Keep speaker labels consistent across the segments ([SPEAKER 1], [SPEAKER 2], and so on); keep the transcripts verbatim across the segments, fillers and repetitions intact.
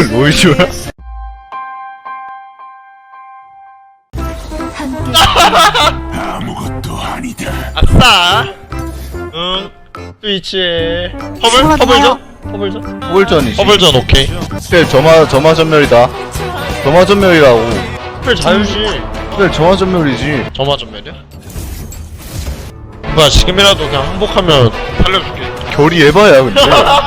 [SPEAKER 1] 로이즈야?
[SPEAKER 2] 아무것도 아니다.
[SPEAKER 3] 아싸. 응. 트위치에 허블 허블전 허블전
[SPEAKER 1] 홀전이지.
[SPEAKER 3] 허블전 오케이.
[SPEAKER 1] 스펠 점화 점화 전멸이다. 점화 전멸이라고.
[SPEAKER 3] 스펠 자유시.
[SPEAKER 1] 스펠 점화 전멸이지.
[SPEAKER 3] 점화 전멸이야? 뭐야 지금이라도 그냥 항복하면 살려줄게.
[SPEAKER 1] 결이 에바야 근데.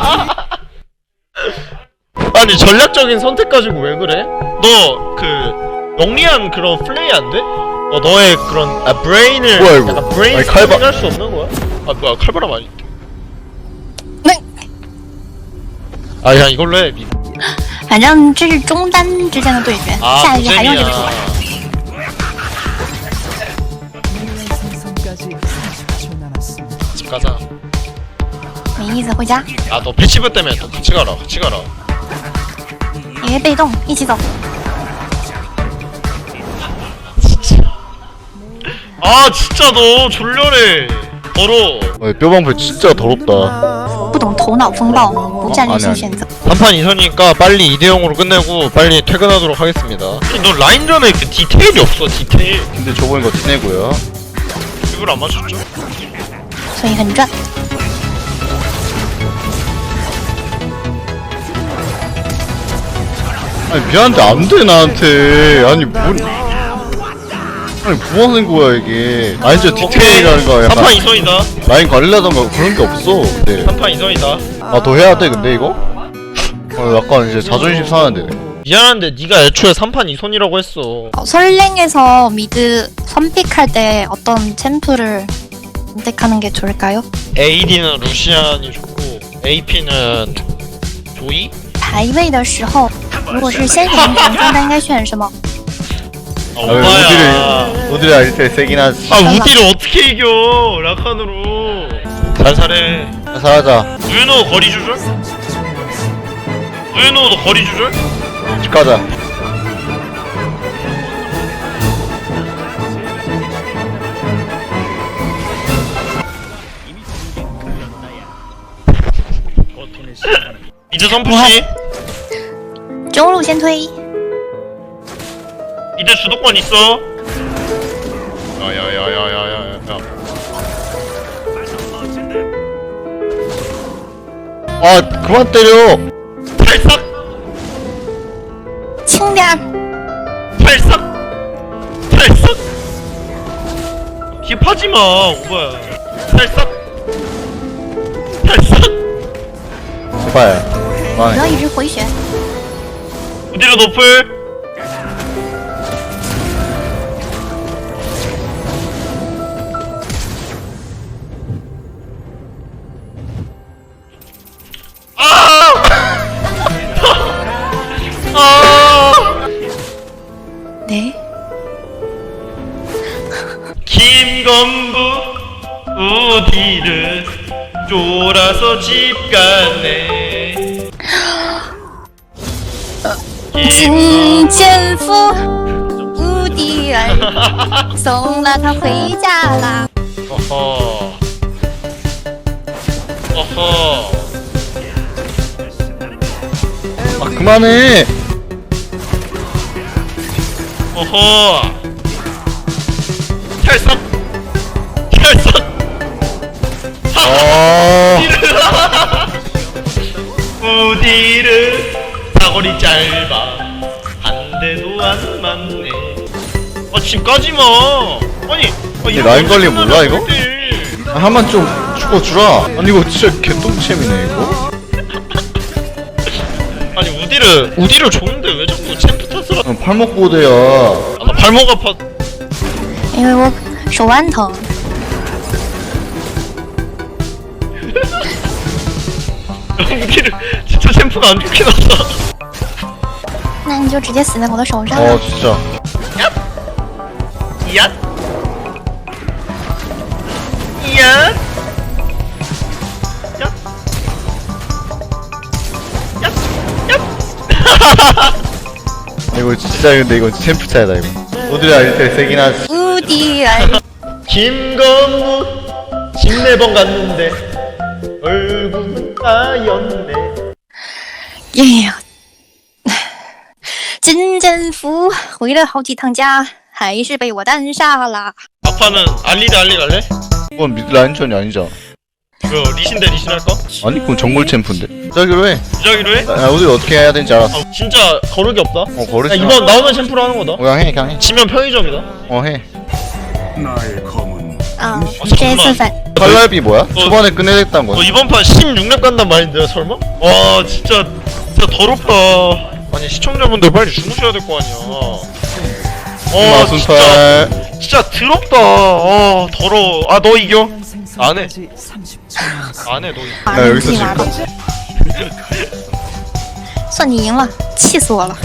[SPEAKER 3] 아니 전략적인 선택 가지고 왜 그래? 너 그 영리한 그런 플레이 안 돼? 어 너의 그런 아 브레인을
[SPEAKER 1] 뭐야, 이거?
[SPEAKER 3] 약간 브레인
[SPEAKER 1] 아니, 칼바-
[SPEAKER 3] 할수 없는 거야? 아 뭐야 칼바람 아니?
[SPEAKER 4] 네.
[SPEAKER 3] 아 그냥 이걸로 해.
[SPEAKER 4] 反正这是中单之间的对决，
[SPEAKER 3] 아
[SPEAKER 4] 下一局还用这个手法。
[SPEAKER 3] 집 가자.
[SPEAKER 4] 没意思，回家，
[SPEAKER 3] 아 너 패치브 때문에 또 같이 가라 같이 가라.
[SPEAKER 4] 因为被动，一起走。
[SPEAKER 3] 아 진짜 너 졸려래. 더러워.
[SPEAKER 1] 어, 뼈방패 진짜 더럽다.
[SPEAKER 4] 不懂头脑风暴，不战略性选择。
[SPEAKER 3] 삼판 이선이니까 빨리 이 대 영으로 끝내고 빨리 퇴근하도록 하겠습니다. 아니, 너 라인전에 그 디테일이 없어 디테일.
[SPEAKER 1] 근데 저번에 거 티내고요.
[SPEAKER 3] 이걸 안 맞췄죠?
[SPEAKER 4] 所以很赚。
[SPEAKER 1] 아니 미안한데 안 돼 나한테. 아니 뭔 아니 뭐 하는 거야 이게. 아니 진짜 디테일이라는 거야.
[SPEAKER 3] 삼판
[SPEAKER 1] 약간
[SPEAKER 3] 이선이다.
[SPEAKER 1] 라인 관리라던가 그런 게 없어. 근데
[SPEAKER 3] 삼판 이선이다.
[SPEAKER 1] 아 더 해야 돼 근데 이거? 어 약간 이제 자존심 상하는데.
[SPEAKER 3] 미안한데 네가 애초에 삼판 이선이라고 했어.
[SPEAKER 4] 어, 설랭에서 미드 선픽할 때 어떤 챔프를 선택하는 게 좋을까요?
[SPEAKER 3] 에이디는 루시안이 좋고 에이피는 조이?
[SPEAKER 4] 排位的时候，如果是先选中单，应该选什么？
[SPEAKER 3] 아
[SPEAKER 1] 아, 왜
[SPEAKER 3] 오바야.
[SPEAKER 1] 우디를 우디를 알때 세긴 하지.
[SPEAKER 3] 아 우디를 어떻게 이겨 라칸으로. 살살해.
[SPEAKER 1] 사하자.
[SPEAKER 3] 누유노 거리 조절? 누유노도 거리 조절?
[SPEAKER 1] 집 가자.
[SPEAKER 3] 미드 선푸시.
[SPEAKER 4] 中路先推，
[SPEAKER 3] 미드 주도권 있어. 야야야야야야야.
[SPEAKER 1] 아 그만 때려.
[SPEAKER 3] 탈삭
[SPEAKER 4] 轻点儿。
[SPEAKER 3] 탈삭 탈삭. 힙하지마 오바야. 탈삭 탈삭.
[SPEAKER 1] 제발.
[SPEAKER 4] 不要
[SPEAKER 1] 그만해.
[SPEAKER 4] 一直回旋。
[SPEAKER 3] 우디로 노플.
[SPEAKER 4] 네.
[SPEAKER 3] 김건부 우디를 쫄아서 집 갔네.
[SPEAKER 4] 金剑夫无敌儿，送了他回家啦。
[SPEAKER 3] 어허 어허.
[SPEAKER 1] 아 그만해.
[SPEAKER 3] 어허. 탈삭 탈삭.
[SPEAKER 1] 아.
[SPEAKER 3] 우디를 사거리 짧아 한 대도 안 맞네. 아 지금까지마. 아니 아, 이런
[SPEAKER 1] 라인
[SPEAKER 3] 거
[SPEAKER 1] 관리 몰라,
[SPEAKER 3] 끝나면
[SPEAKER 1] 이거?
[SPEAKER 3] 안 돼.
[SPEAKER 1] 아, 한번 좀 죽어주라. 아니 이거 진짜 개똥챔이네 이거.
[SPEAKER 3] 아니 우디를 우디를 좋은데 왜 자꾸 챔프 탓을 하...
[SPEAKER 1] 어, 팔목 보드야.
[SPEAKER 3] 아, 나 발목 아파.
[SPEAKER 4] 因为我手腕疼。
[SPEAKER 3] 우디를 진짜 챔프가 안 좋긴 하다.
[SPEAKER 4] 那你就直接死在我的手上
[SPEAKER 1] 어
[SPEAKER 4] 了。
[SPEAKER 1] 진짜.
[SPEAKER 3] 야? 야? 야? 야? 야?
[SPEAKER 1] 이거 진짜 근데 이거 챔프 차이다 이거. 우디를 알때 세긴 하지.
[SPEAKER 4] 无敌儿，
[SPEAKER 3] 김건무 집네번 갔는데 얼굴은 하였네.
[SPEAKER 4] 哎呀， 战俘回了好几趟家，还是被我单杀了。
[SPEAKER 3] 막판은 알리 대 알리 갈래?
[SPEAKER 1] 그건 미드 라인전이 아니잖아.
[SPEAKER 3] 그 리신 대 리신 할까?
[SPEAKER 1] 아니 그건 정글 챔프인데. 저기로 해.
[SPEAKER 3] 무작위로 해?
[SPEAKER 1] 야, 우리 어떻게 해야 되는지 알았어.
[SPEAKER 3] 아, 진짜 거르기 없다.
[SPEAKER 1] 어 버릇.
[SPEAKER 3] 야, 이번 나오는 챔프로 하는 거다.
[SPEAKER 1] 어, 그냥 해 그냥 해.
[SPEAKER 3] 지면 편의점이다.
[SPEAKER 1] 어 해.
[SPEAKER 4] 啊，
[SPEAKER 3] 어,
[SPEAKER 4] 这
[SPEAKER 3] 잠깐만.
[SPEAKER 4] 次反
[SPEAKER 1] 칼날비 뭐야? 초반에 끝내겠다는
[SPEAKER 3] 너
[SPEAKER 1] 거야.
[SPEAKER 3] 이번 판 십육 렙 간단 말인데 설마? 와 진짜 진짜 더럽다. 아니 시청자분들 빨리 주무셔야 될 거 아니야. 어 진짜
[SPEAKER 1] 마순팔.
[SPEAKER 3] 진짜 더럽다. 어 더러워. 아 너 이겨. 안 해. 안 해 너 이겨.
[SPEAKER 4] 把
[SPEAKER 1] 야
[SPEAKER 4] 人
[SPEAKER 1] 여기서
[SPEAKER 4] 气完了，
[SPEAKER 1] 지금
[SPEAKER 4] 算你赢了，气死我了。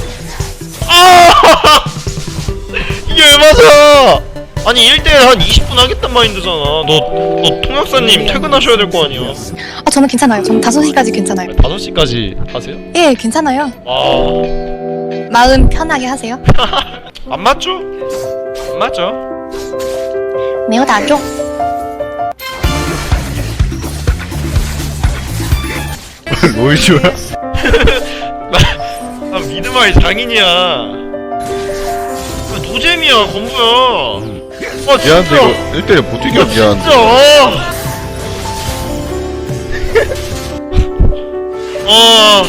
[SPEAKER 3] 아 이게 왜 맞아? 아니 일 대 일 한 이십 분 하겠단 마인드잖아. 너, 너 통역사님 퇴근하셔야 될 거 아니야.
[SPEAKER 4] 아 저는 괜찮아요. 저는 다섯 시까지 괜찮아요.
[SPEAKER 3] 다섯 시까지 하세요?
[SPEAKER 4] 예, 괜찮아요.
[SPEAKER 3] 아,
[SPEAKER 4] 마음 편하게 하세요.
[SPEAKER 3] 안 맞죠? 안 맞죠?
[SPEAKER 4] 没有打中，
[SPEAKER 1] 로이즈야?
[SPEAKER 3] 나 미드마이 장인이야. 아, 노잼이야, 건부야. 아,
[SPEAKER 1] 미안한데
[SPEAKER 3] 진짜.
[SPEAKER 1] 이거 일 대일 못 이겨
[SPEAKER 3] 아,
[SPEAKER 1] 미안한데.
[SPEAKER 3] 진짜. 아.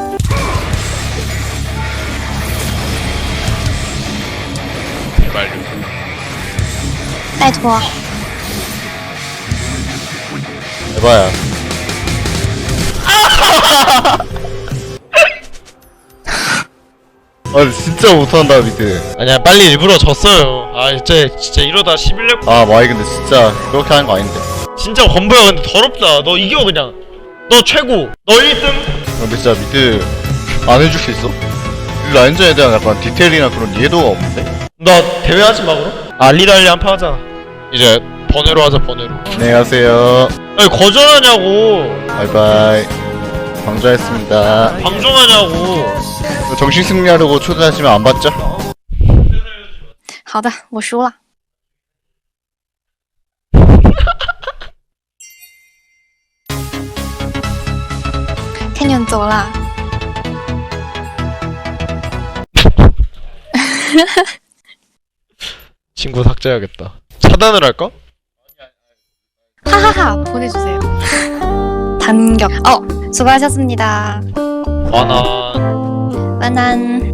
[SPEAKER 3] 제발.
[SPEAKER 4] 拜托。
[SPEAKER 1] 에바야. 아 진짜 못한다 미드.
[SPEAKER 3] 아니야, 빨리 일부러 졌어요. 아, 이제 진짜 이러다 십일 렙.
[SPEAKER 1] 아 마이 근데 진짜 그렇게 하는 거 아닌데.
[SPEAKER 3] 진짜 건부야, 근데 더럽다. 너 이겨, 그냥. 너 최고. 너 일 등.
[SPEAKER 1] 근데 진짜 미드 안 해줄 수 있어? 이 라인전에 대한 약간 디테일이나 그런 이해도가 없는데?
[SPEAKER 3] 너 대회 하지 마, 그럼? 알리달리 한 판 하자. 이제 번외로 하자, 번외로.
[SPEAKER 1] 안녕하세요.
[SPEAKER 3] 아니, 거절하냐고.
[SPEAKER 1] 바이바이. 방조했습니다.
[SPEAKER 3] 방종하냐고.
[SPEAKER 1] 정식 승리하려고 초대하시면 안 받죠?
[SPEAKER 4] 好的，我输了。天天走了。
[SPEAKER 3] 친구 삭제해야겠다. 차단을 할까?
[SPEAKER 4] 하하하 보내주세요. 단격. 어 수고하셨습니다.
[SPEAKER 3] 바난.
[SPEAKER 4] 바난.